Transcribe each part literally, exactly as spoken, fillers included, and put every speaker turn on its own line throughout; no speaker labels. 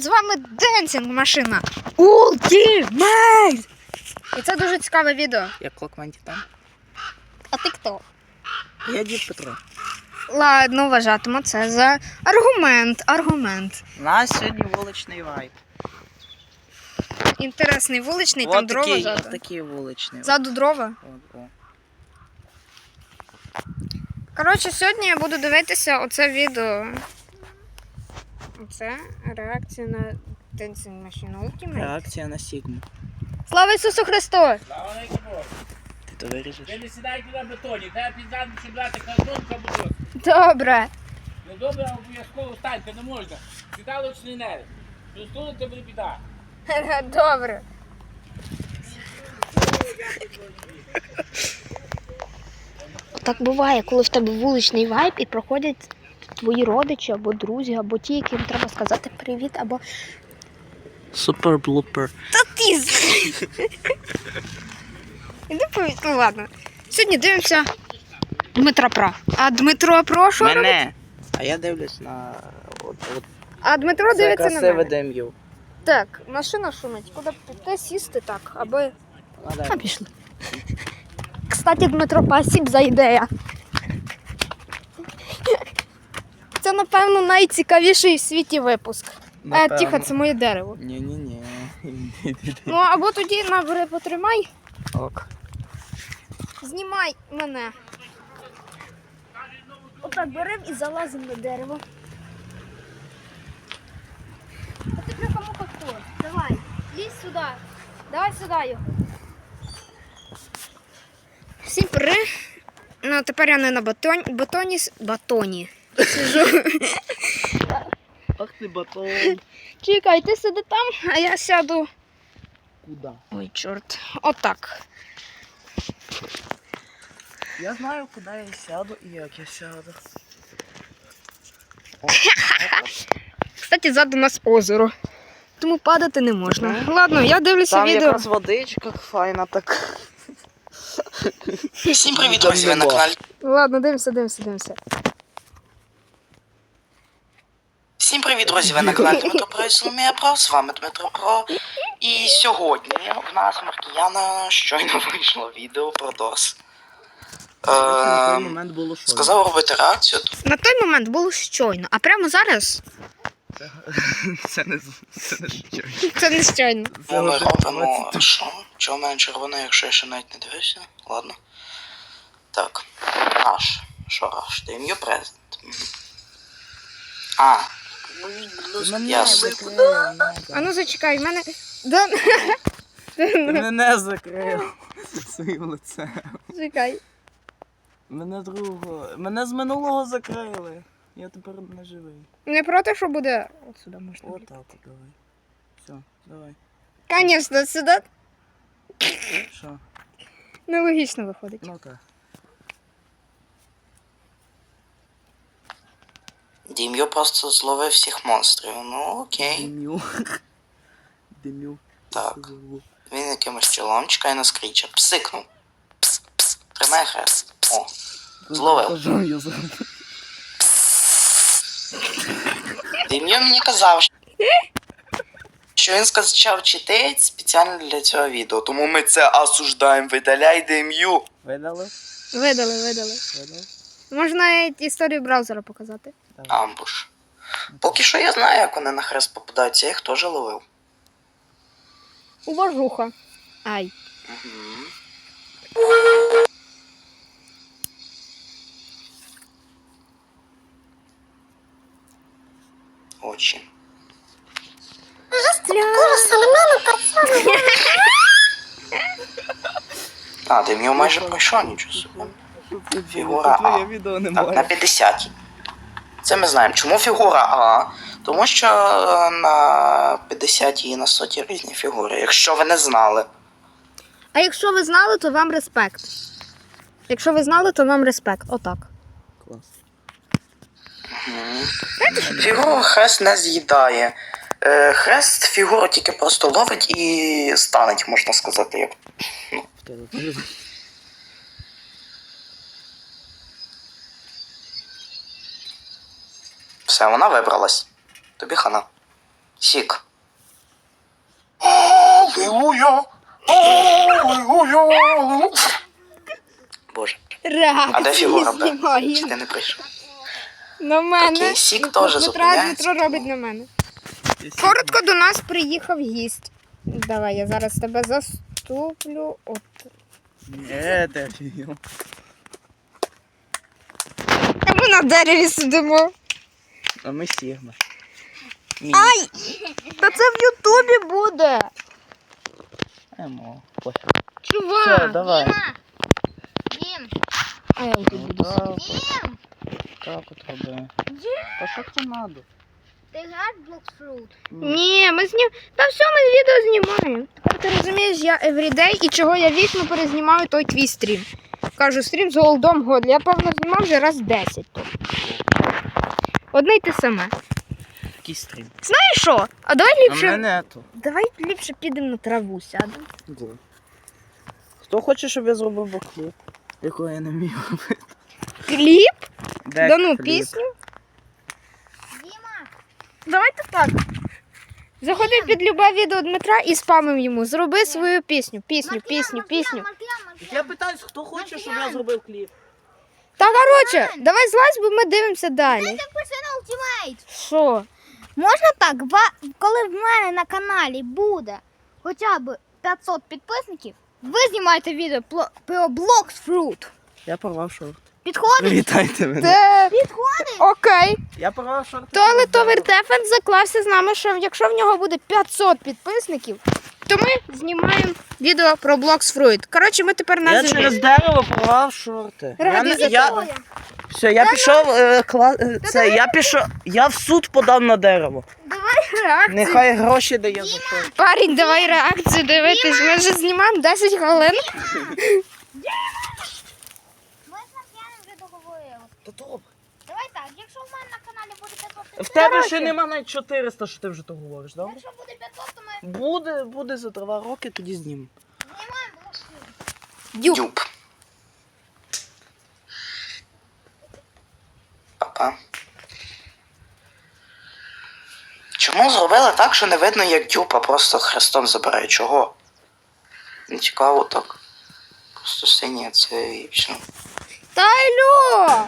з вами Денсінг машина Ultimate! І це дуже цікаве відео.
Я Клокман Титан.
А ти хто?
Я Дід Петро.
Ладно, вважатиму це за аргумент, аргумент.
У нас сьогодні вуличний вайб.
Інтересний вуличний,
Вот
там дрова
такий,
ззаду.
от такий вуличний.
Ззаду дрова.
О, о.
Коротше, сьогодні я буду дивитися оце відео. Оце реакція на Денсінг машину Ultimate.
Реакція на Сігму.
Слава Ісусу Христу!
Слава Богу.
Ти то виріжеш?
Ви не сідайте на бетоні, треба підзаду, щоб брати картон, кабутос.
Добре.
Ну добре, обов'язково встаньте, не можна. Сідалочний нерв. Розтулити буде біда.
Добре. Так буває, коли в тебе вуличний вайб і проходять твої родичі або друзі, або ті, яким треба сказати привіт, або...
Супер блупер.
Та ти з- Іди повідь, ну ладно. Сьогодні дивимося Дмитра Пра. А Дмитро Про що робить?
Мене. А я дивлюсь на... От, от.
А Дмитро
Це
дивиться на
красиве
мене.
дем'ю.
Так, машина шумить. Куди б піти сісти так, аби... А, пішли. Кстати, Дмитро, спасибо за ідею. Це, напевно, найцікавіший в світі випуск. Е, тихо, це моє дерево.
Ні-ні-ні.
Ну, або тоді набери, потримай,
Ок.
знімай мене. Отак беремо і залазимо на дерево. А ти кому хто? Давай, лізь сюди. Давай сюди його. Всім при. Ну, тепер я не на батоні, батоні, с- батоні. Сижу.
Ах ти батон.
Чекай, ти сиди там, а я сяду.
Куда?
Ой, чорт. Отак.
Я знаю, куди я сяду і як я сяду. О,
Кстати, ззаду нас озеро. Тому падати не можна. Ладно, я дивлюся
там
відео.
якраз водичка файна так.
Всім привіт, друзі, ви на каналі.
Ладно, дивимося, дивимося, дивимося.
Всім привіт, друзі, ви на каналі Дмитро Про і Соломія Про, з вами Дмитро Про. І сьогодні в нас Маркіяна щойно вийшло відео про дос.
На той
Е,
момент було що?
сказав робити реакцію.
На той момент було щойно, а прямо зараз
Це не це не щось.
це не щойно.
Тому ми робимо що? Чого в мене червоне, якщо я ще навіть не дивився? Ладно. Так. Раш. Що раш? Даю презент. А. Ясно.
А ну зачекай, в мене. Да...
Ти мене закрив своїм лицем.
Чекай.
Мене другого. Мене з минулого закрили. Я тепер не живий.
Не проти, що буде. От сюди можна.
Отак от давай. Все, давай.
Звісно, сюди
Що?
нелогічно виходить.
Ну так.
Дім'ю просто зловив всіх монстрів. Ну окей.
Димю. Димю.
Так. Він якимось чолом чекає на скріча. Псикнув. Пс, пс. Тримай хрест. О. Зловив. Дім'ю мені казав, що він скачав читець спеціально для цього відео. Тому ми це осуждаємо. Видаляй Дім'ю.
Видали?
Видали, видали.
Видали?
Можна навіть історію браузера показати.
Амбуш. Поки що я знаю, як вони на хрест попадаються. Я їх теж ловив.
Уважуха. Ай.
Угу. Очі. А, ти в нього майже пройшов, нічого собі. Фігура А.
Твоє відео
Так, на
немає.
п'ятдесятій. Це ми знаємо. Чому фігура А? Тому що е, на п'ятдесятій і на сотій різні фігури, якщо ви не знали.
А якщо ви знали, то вам респект. Якщо ви знали, то вам респект. Отак.
Клас.
Фігуру хрест не з'їдає. Е, Хрест фігуру тільки просто ловить і станеть, можна сказати. Як.
В тебе теж.
Все, вона вибралась. Тобі хана. Сік. Аллилуйя! Аллилуйя! Боже. А де
Реакції
фігура Б? Чи
знімаємо.
ти не прийшов?
На мене.
Окей, Сік
Дмитро-
теж
Дмитро,
зупиняється.
Дмитро робить на мене. Коротко до нас приїхав гість. Давай, я зараз тебе заступлю. От.
Ні, ти офігел.
А ми на дереві сидимо.
А ми Сігма.
Ай! Та це в Ютубі буде.
Емо. Ой.
Чувак.
Все, давай.
Дім. А я тут буду
Так,
сидіти.
так от роби. Та що це надо?
Ти граш Bloxfruit? Ні, ми знім... Та все, ми відео знімаємо. Тепер ти розумієш, я everyday і чого я вічно перезнімаю той твій стрім. Кажу, стрім з Голдом Годль. Я, певно, знімав вже раз десять. То. Одне й те саме.
Який стрім?
Знаєш що? А давай
А
ліпше...
мене нету.
Давай ліпше підемо на траву сядемо.
Де? Хто хоче, щоб я зробив бакліп? Якого я не вмію робити?
Кліп?
Де
Да ну,
кліп?
пісню. Діма. Давайте так. Заходи під любе відео Дмитра і спамим йому. Зроби свою пісню, пісню, пісню, пісню.
Я питаюсь, хто хоче, щоб я зробив кліп?
Та коротше, давай злазь, бо ми дивимося далі.
Підпиши на Ultimate.
Що?
Можна так, ва- коли в мене на каналі буде хоча б п'ятсот підписників, ви знімаєте відео пло- про Bloxfruit.
Я порвав шорт.
Підходить?
Привітайте мене.
Це...
Підходить?
Окей.
Я порвав шорт.
То але Товер Дефенс заклався з нами, що якщо в нього буде п'ятсот підписників, то ми знімаємо відео про Bloxfruit. Коротше, ми тепер
Я
на
через дерево порвав шорти. Я,
Ради
не-
за
я,
тобою.
все, я пішов, е, кла... е, це, я пішов, я в суд подав на дерево.
Реакцію.
Нехай гроші дає за шорт.
Парень, давай реакцію дивитись. Ми вже знімаємо десять хвилин.
Ми з Маркіяном вже договорили.
Та добре.
Давай так, якщо в мене на каналі буде п'ятсот
В
підписників,
тебе ще нема навіть чотириста, що ти вже то говориш, добре?
якщо буде п'ятсот, то ми
Буде, буде за два роки, тоді знімемо.
знімаємо Bloxfruit.
Дюк.
Дюб. Папа. Чому зробили так, що не видно, як дюб, а просто хрестом забирає? Чого? Не цікаво так. Просто синє це і все.
Та алло!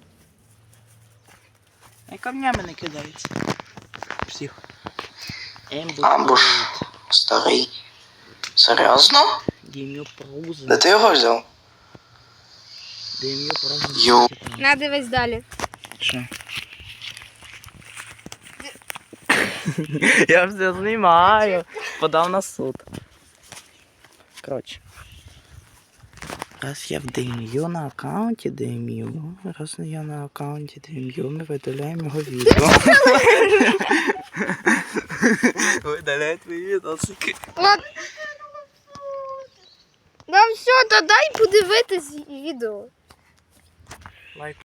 І камнями не кидається. Всіх.
Амбуш. Старий. Серйозно?
Дім'ю проузи.
Де ти його взяв?
Дім'ю проузи.
Ю.
На, дивись далі.
Що? Я все знімаю. Подав на суд. Коротше. Раз я в Дем'ю на аккаунті Дем'ю, раз я на аккаунті Дем'ю, ми видаляємо його відео. Видаляють мої відосики.
От. Ну все, то дай подивитись відео.
Лайк.